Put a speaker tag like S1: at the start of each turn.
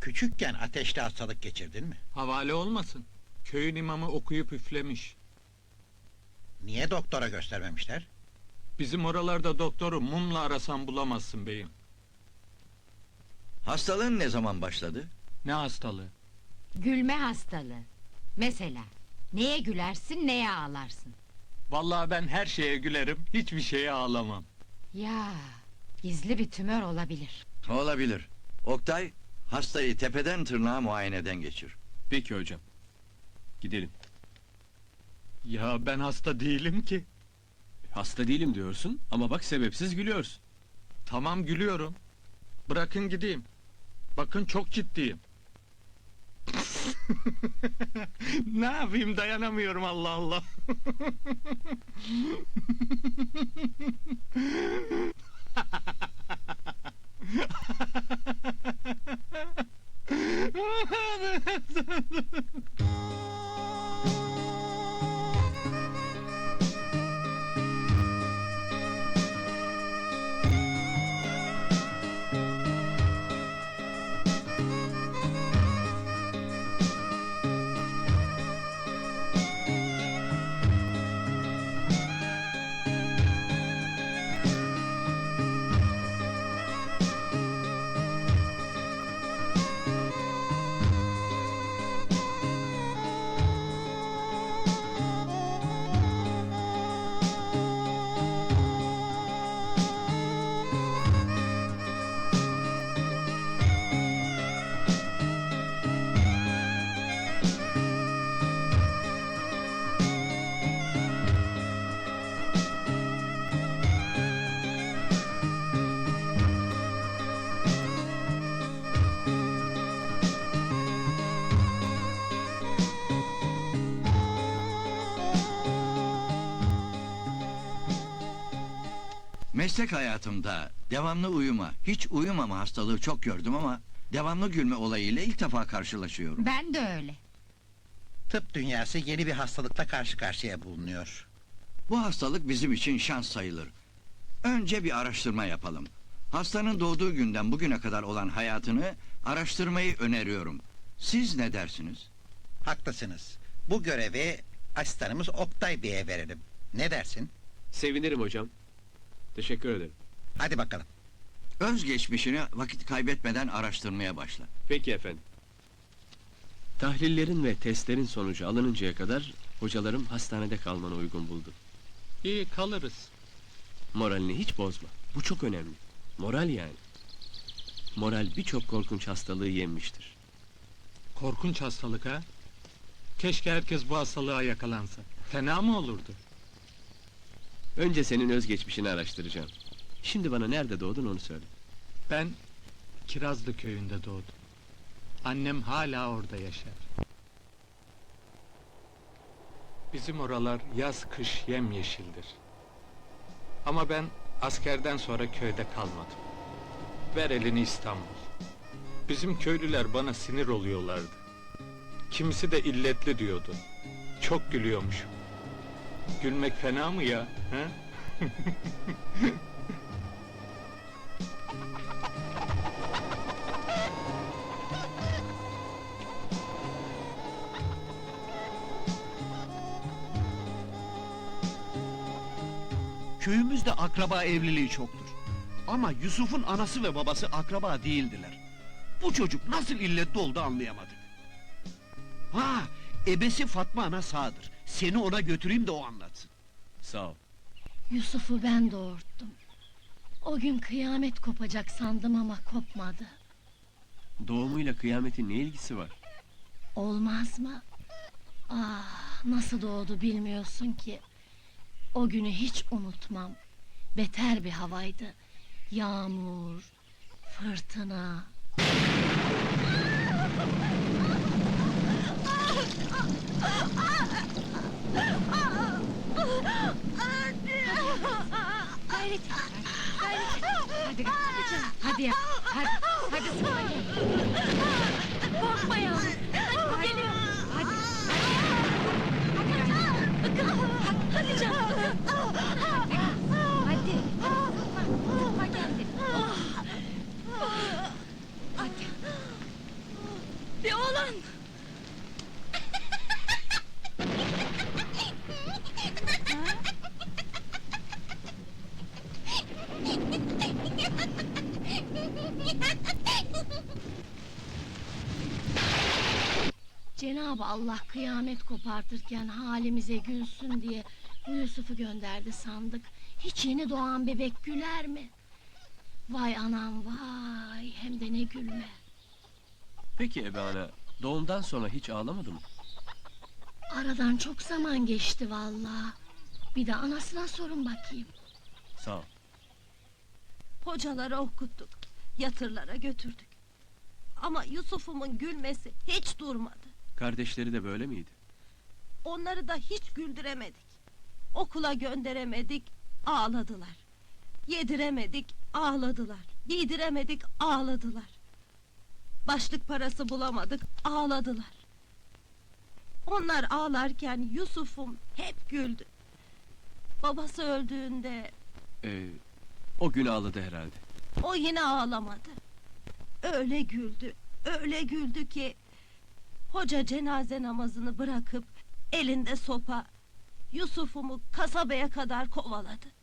S1: Küçükken ateşli hastalık geçirdin mi?
S2: Havale olmasın. Köyün imamı okuyup üflemiş.
S1: Niye doktora göstermemişler?
S2: Bizim oralarda doktoru mumla arasan bulamazsın beyim.
S3: Hastalığın ne zaman başladı?
S2: Ne hastalığı?
S4: Gülme hastalığı. Mesela neye gülersin, neye ağlarsın?
S2: Vallahi ben her şeye gülerim, hiçbir şeye ağlamam.
S4: Ya, gizli bir tümör olabilir.
S3: Olabilir. Oktay, hastayı tepeden tırnağa muayeneden geçir.
S5: Peki hocam. Gidelim.
S2: Ya ben hasta değilim ki.
S5: Hasta değilim diyorsun ama bak sebepsiz gülüyorsun.
S2: Tamam gülüyorum. Bırakın gideyim. Bakın çok ciddiyim. Ne yapayım, dayanamıyorum, Allah Allah.
S3: Meslek hayatımda devamlı uyuma, hiç uyumama hastalığı çok gördüm ama devamlı gülme olayıyla ilk defa karşılaşıyorum.
S4: Ben de öyle.
S1: Tıp dünyası yeni bir hastalıkla karşı karşıya bulunuyor.
S3: Bu hastalık bizim için şans sayılır. Önce bir araştırma yapalım. Hastanın doğduğu günden bugüne kadar olan hayatını araştırmayı öneriyorum. Siz ne dersiniz?
S1: Haklısınız. Bu görevi asistanımız Oktay Bey'e verelim. Ne dersin?
S5: Sevinirim hocam. Teşekkür ederim.
S1: Hadi bakalım.
S3: Özgeçmişini vakit kaybetmeden araştırmaya başla.
S5: Peki efendim. Tahlillerin ve testlerin sonucu alınıncaya kadar hocalarım hastanede kalmanı uygun buldu.
S2: İyi, kalırız.
S5: Moralini hiç bozma. Bu çok önemli. Moral yani. Moral birçok korkunç hastalığı yenmiştir.
S2: Korkunç hastalık ha? Keşke herkes bu hastalığa yakalansa. Fena mı olurdu?
S5: Önce senin özgeçmişini araştıracağım. Şimdi bana nerede doğdun onu söyle.
S2: Ben Kirazlı köyünde doğdum. Annem hala orada yaşar. Bizim oralar yaz kış yemyeşildir. Ama ben askerden sonra köyde kalmadım. Ver elini İstanbul. Bizim köylüler bana sinir oluyorlardı. Kimisi de illetli diyordu. Çok gülüyormuşum. Gülmek fena mı ya? He?
S6: Köyümüzde akraba evliliği çoktur. Ama Yusuf'un anası ve babası akraba değildiler. Bu çocuk nasıl illetli oldu anlayamadık. Ha, ebesi Fatma ana sağdır. Seni ona götüreyim de o anlatsın.
S5: Sağ ol.
S7: Yusuf'u ben doğurttum. O gün kıyamet kopacak sandım ama kopmadı.
S5: Doğumuyla kıyametin ne ilgisi var?
S7: Olmaz mı? Ah, nasıl doğdu bilmiyorsun ki. O günü hiç unutmam. Beter bir havaydı. Yağmur, fırtına.
S4: Gayret et, gayret et. Hadi canım, hadi yap, hadi sana gel. Korkma yavrum. Hadi, geliyor. Hadi. Hadi canım. Hadi. Sıkma kendini. Hadi.
S7: Cenab-ı Allah kıyamet kopartırken halimize gülsün diye bu Yusuf'u gönderdi sandık. Hiç yeni doğan bebek güler mi? Vay anam vay, hem de ne gülme.
S5: Peki ebe ana, doğumdan sonra hiç ağlamadı mı?
S7: Aradan çok zaman geçti vallahi. Bir de anasına sorun bakayım.
S5: Sağ ol.
S8: Hocalara okuttuk, yatırlara götürdük. Ama Yusuf'umun gülmesi hiç durmadı.
S5: Kardeşleri de böyle miydi?
S8: Onları da hiç güldüremedik. Okula gönderemedik, ağladılar. Yediremedik, ağladılar. Giydiremedik, ağladılar. Başlık parası bulamadık, ağladılar. Onlar ağlarken Yusuf'um hep güldü. Babası öldüğünde
S5: O gün ağladı herhalde.
S8: o yine ağlamadı. Öyle güldü ki... Hoca cenaze namazını bırakıp elinde sopa Yusuf'umu kasabaya kadar kovaladı.